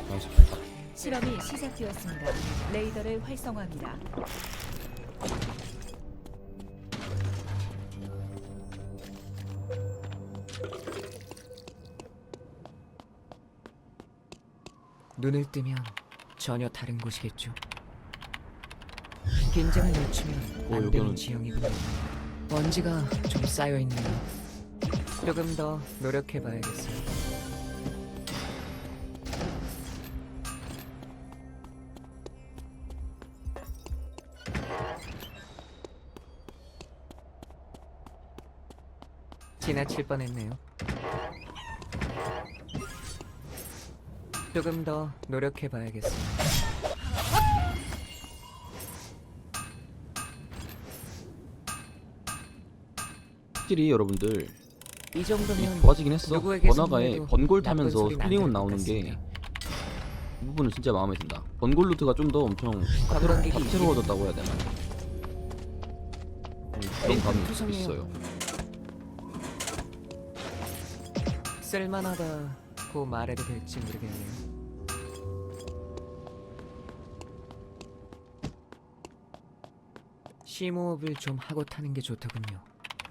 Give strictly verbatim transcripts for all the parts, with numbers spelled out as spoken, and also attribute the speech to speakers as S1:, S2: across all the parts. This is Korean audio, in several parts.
S1: 나이스.
S2: 실험이 시작되었습니다. 레이더를 활성화합니다.
S3: 눈을 뜨면 전혀 다른 곳이겠죠. 긴장을 늦추면
S1: 어,
S3: 안 되는
S1: 여기는-
S3: 지형이군요. 먼지가 좀 쌓여 있네요. 조금 더 노력해봐야겠어요. 지나칠 뻔했네요. 조금 더 노력해봐야겠어요.
S1: 확실히 여러분들
S3: 이
S1: 이
S3: 정도면
S1: 좋아지긴 했어.
S3: 누구에게
S1: 번화가에
S3: 선물해도
S1: 번골
S3: 나쁜
S1: 타면서
S3: 소리는 안
S1: 스프링온
S3: 들을 것
S1: 나오는 게
S3: 같습니다.
S1: 이 부분은 진짜 마음에 든다. 번골 루트가 좀 더 엄청
S3: 관광객이
S1: 다채로워졌다고 해야 되나? 음, 그런 감이
S3: 투성이에요.
S1: 있어요.
S3: 쓸만하다고 말해도 될지 모르겠네요. 심호흡을 좀 하고 타는 게 좋더군요.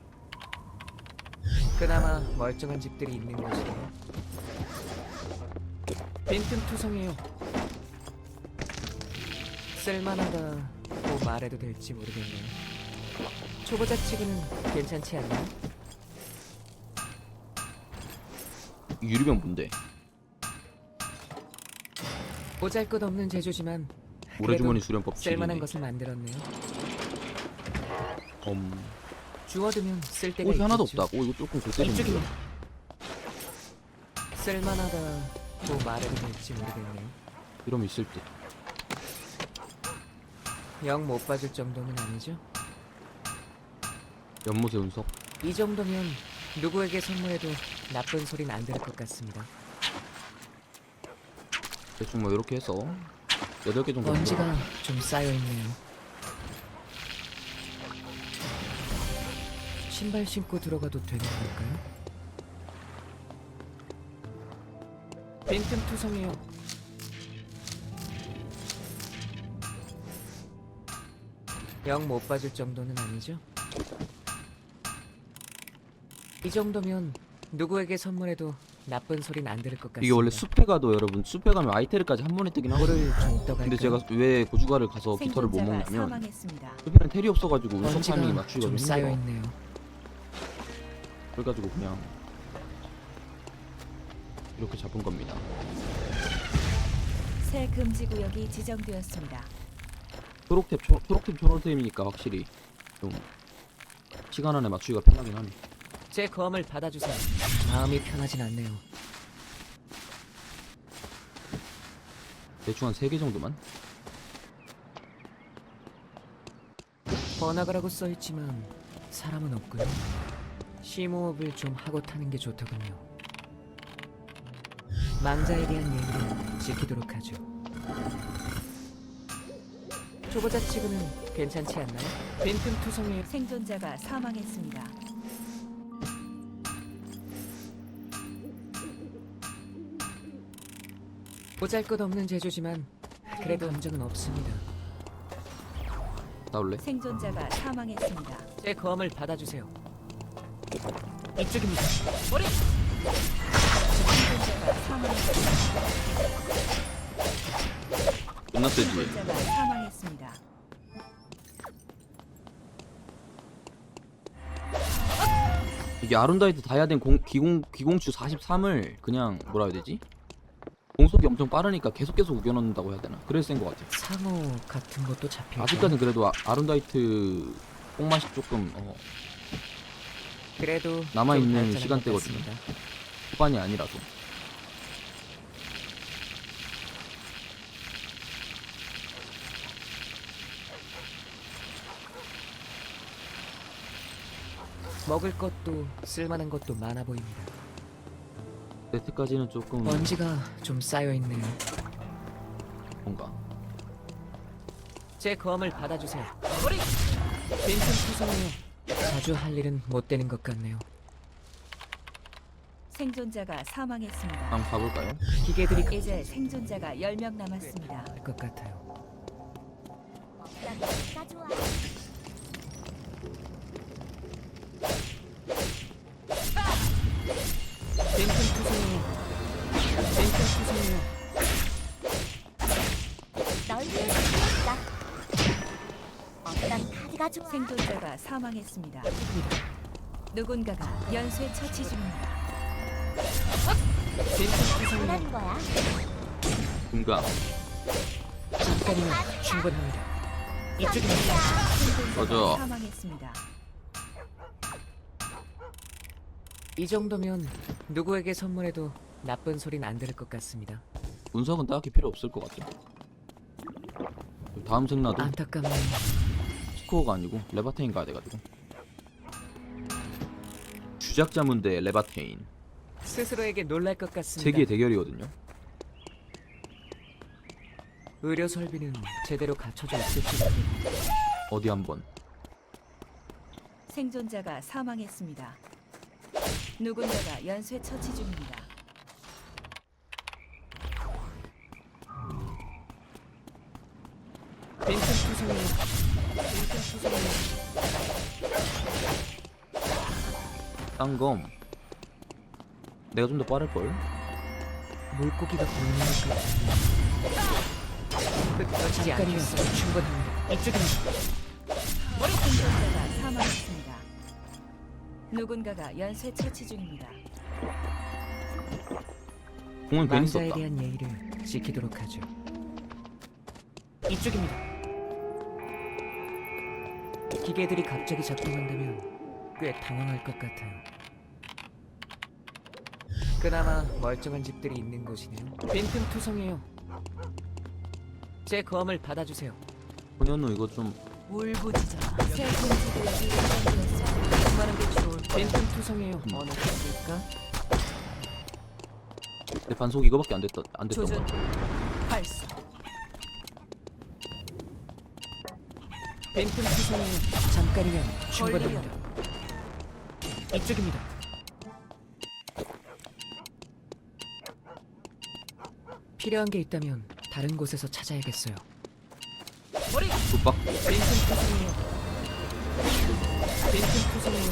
S3: 그나마 멀쩡한 집들이 있는 곳이에요. 빈틈투성이에요. 쓸만하다고 말해도 될지 모르겠네요. 초보자치기는 괜찮지 않나요?
S1: 이 유리병 뭔데?
S3: 보잘것없는 제조지만
S1: 모래주머니
S3: 그래도
S1: 수련법
S3: 쓸만한
S1: 칠이네.
S3: 것을 만들었네요.
S1: 음,
S3: 주워두면 쓸 데가
S1: 옷이 하나도
S3: 있겠죠.
S1: 없다. 오 이거 조금 골때리는데.
S3: 이쪽입니다. 쓸만하다고 말해도 될지 모르겠네요.
S1: 이러면 있을 듯.
S3: 영 못 봐줄 정도는 아니죠?
S1: 연못의 운석.
S3: 이 정도면 누구에게 선물해도 나쁜 소린 안 들을 것 같습니다.
S1: 대충 뭐 이렇게 해서 여덟 개 정도.
S3: 먼지가 좀 쌓여있네요. 신발 신고 들어가도 되는 걸까요? 빈틈투성이에요. 영 못 봐줄 정도는 아니죠? 이 정도면 누구에게 선물해도 나쁜 소린 안 들을 것 같습니다.
S1: 이게 원래 숲에 가도 여러분 숲에 가면 아이테르까지 한 번에 뜨긴 하거든요.
S3: 물을 좀 떠갈까요?
S1: 근데 제가 왜 고주가를 가서 깃털을 못
S2: 생존자가
S1: 먹냐면
S2: 사망했습니다.
S1: 숲에는 텔이 없어가지고 운석
S3: 먼지가
S1: 타이밍이 맞추기가
S3: 좀
S1: 좀 힘들어.
S3: 쌓여있네요.
S1: 그래가지고 그냥 이렇게 잡은 겁니다.
S2: 새 금지 구역이 지정되었습니다.
S1: 초록탭 초, 초록탭 초록탭이니까 확실히 좀 시간 안에 맞추기가 편하긴 하네.
S3: 제 검을 받아주세요. 마음이 편하진 않네요.
S1: 대충 한 세 개 정도만.
S3: 번화가라고 써있지만 사람은 없군요. 심호흡을 좀 하고 타는 게 좋더군요. 망자에 대한 예의를 지키도록 하죠. 초보자치고는 괜찮지 않나요? 빈틈투성이에요.
S2: 생존자가 사망했습니다.
S3: 보잘것없는 제조지만 그래도 감정은 없습니다.
S1: 나올래?
S2: 생존자가 사망했습니다.
S3: 제 검을 받아주세요. 이쪽입니다. 머리!
S2: 생존자가 사망했습니다.
S1: 존나 세지.
S2: 생존자가 사망했습니다.
S1: 이게 아룬다이트 다이아덴 공, 기공, 기공추 사십삼을 그냥 뭐라 해야 되지? 공속이 엄청 빠르니까 계속 계속 우겨넣는다고 해야 되나? 그래서 센 것 같아.
S3: 상어 같은 것도 잡히고
S1: 아직까지는 그래도 아, 아룬다이트 뽕맛이 조금 어,
S3: 그래도
S1: 남아있는
S3: 좀 발전한 것
S1: 시간대거든요.
S3: 같습니다.
S1: 후반이 아니라서.
S3: 먹을 것도 쓸만한 것도 많아 보입니다.
S1: 네트까지는 조금
S3: 먼지가 좀 쌓여 있네요.
S1: 뭔가
S3: 제 검을 받아주세요. 머리! 빈틈 투성이요. 자주 할 일은 못 되는 것 같네요.
S2: 생존자가 사망했습니다.
S1: 한번 가볼까요?
S3: 기계들이
S2: 이제 생존자가 열 명 남았습니다.
S3: 할 것 같아요.
S4: 나 좋아.
S3: 벤튼 투성이요. 벤튼 투성이요.
S4: 널 위해 준비했다. 어떤 카드가 좋아?
S2: 생존자가 사망했습니다. 누군가가 연쇄 처치 중입니다.
S3: 벤튼 투성이요.
S4: 뭐라는 거야?
S1: 금강.
S3: 잠깐이면 충분합니다. 이쪽입니다.
S2: 생존자가
S1: 꺼져.
S2: 사망했습니다.
S3: 이 정도면 누구에게 선물해도 나쁜 소린 안 들을 것 같습니다.
S1: 운석은 딱히 필요 없을 것 같아. 다음 생나도
S3: 안타깝네요.
S1: 스코어가 아니고 레바테인 가야 돼가지고. 주작자문 대 레바테인.
S3: 스스로에게 놀랄 것 같습니다.
S1: 세계의 대결이거든요.
S3: 의료 설비는 제대로 갖춰져 있을지 모르겠네요.
S1: 어디 한번.
S2: 생존자가 사망했습니다. 누군가가 연쇄 처치 중입니다.
S3: 벤튼 투성이요. 벤튼 투성이요.
S1: 딴검. 내가 좀 더 빠를 걸.
S3: 물고기가 보이는 것 같은데. 끝까지 않겠어. 충분합니다. 이쪽입니다.
S2: 생존자가 사망했습니다. 누군가가 연쇄 처치 중입니다.
S1: 공은 괜히
S3: 망자에
S1: 썼다.
S3: 대한 예의를 지키도록 하죠. 이쪽입니다. 기계들이 갑자기 작동한다면 꽤 당황할 것 같아요. 그나마 멀쩡한 집들이 있는 곳이네요. 빈틈 투성이에요. 제 검을 받아주세요.
S1: 소년우 이거 좀
S2: 울부짖어라. 새 금지 구역이 지정되었습니다.
S3: 얼마나 게 좋을 빈틈 투성이에요. 어느 곳일까?
S1: 내 반속 이거밖에 안 됐다 안 됐던
S2: 조준
S1: 거.
S2: 발사.
S3: 빈틈 투성이에요. 잠깐이면 충분합니다. 이쪽입니다. 필요한 게 있다면 다른 곳에서 찾아야겠어요.
S1: 굿박.
S3: 빈틈 투성이요. 빈틈 투성이요.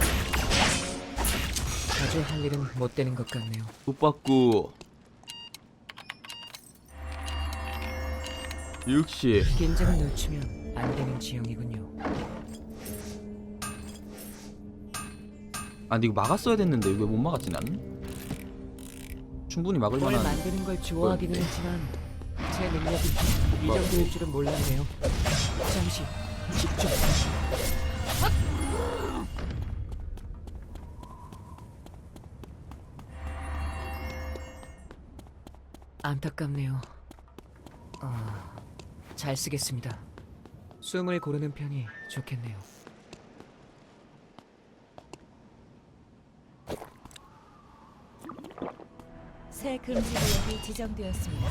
S3: 자주 할 일은 못 되는 것 같네요.
S1: 굿박구. 역시
S3: 긴장을 늦추면 안 되는 지형이군요.
S1: 아 근데 이거 막았어야 됐는데 왜 못 막았지 나는? 충분히 막을
S3: 뭘
S1: 만한.
S3: 만드는 걸 좋아하기는
S1: 네.
S3: 했지만 제 능력이 이 정도일 줄은 몰랐네요. 잠시 집중. 안타깝네요. 아, 잘 쓰겠습니다. 숨을 고르는 편이 좋겠네요.
S2: 새 금지 구역이 지정되었습니다.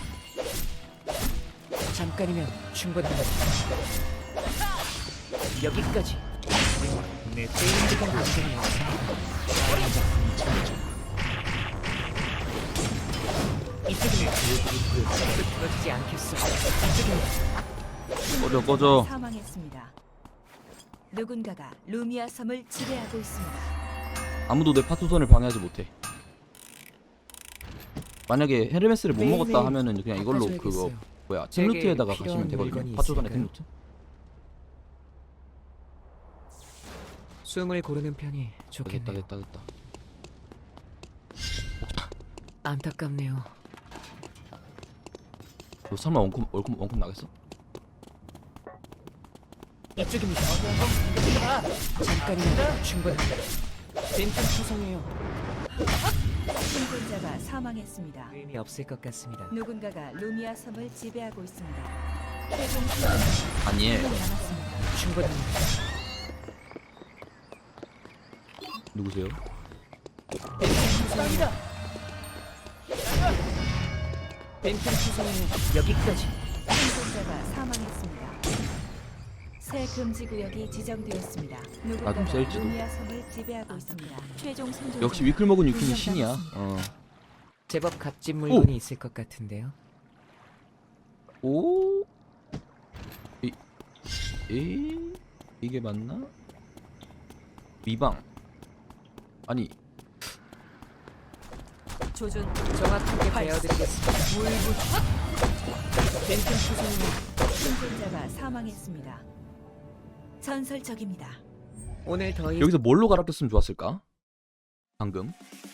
S3: 잠깐이면 충분합니다. 여기까지. 내 게임기가 완전히 없습니다. 이쪽이면 끊어지지 않겠어. 이쪽입니다.
S1: 꺼져 꺼져.
S2: 사망했습니다. 누군가가 루미아 섬을 지배하고 있습니다.
S1: 아무도 내 파투선을 방해하지 못해. 만약에 헤르메스를 못
S3: 매일매일
S1: 먹었다 하면은 그냥 이걸로 그거
S3: 바꿔줘야겠어요.
S1: 뭐야
S3: 제게
S1: 템루트에다가
S3: 필요한
S1: 가시면 되거든요.
S3: 물건이
S1: 파투선의
S3: 있을까요?
S1: 템루트.
S3: 숨을 고르는 편이
S1: 됐다
S3: 좋겠네요.
S1: 됐다 됐다.
S3: 안타깝네요.
S1: 너 설마 원콤 원콤 원콤 나겠어?
S3: 이쪽입니다. 잠깐이면 충분합니다. 빈틈 투성이에요.
S2: 생존자가 사망했습니다.
S3: 의미 없을 것 같습니다.
S2: 누군가가 루미아 섬을 지배하고 있습니다. 해공
S1: 아니에.
S2: 시간 남았습니다.
S3: 충분합니다.
S1: 누구세요?
S3: 빈틈 투성이요. 빈틈 투성이요. 여기까지.
S2: 생존자가 사망했습니다. 새 금지 구역이 지정되었습니다.
S1: 아, 좀
S2: 누군가가
S1: 셀지도.
S2: 루미아 섬을 지배하고 있습니다. 최종 생존자
S1: 역시 위클 먹은 유킹이
S2: 두명
S1: 신이야.
S2: 남았습니다.
S1: 어.
S3: 제법 값진 물건이 있을 것 같은데요.
S1: 오? 이, 에? 이게 맞나? 미방. 아니,
S2: 조준
S3: 정확하게 베어드리겠습니다.
S2: 벤튼 수송이 생존자가 사망했습니다. 전설적입니다.
S3: 오늘 더 이...
S1: 여기서 뭘로 갈아꼈으면 좋았을까? 방금.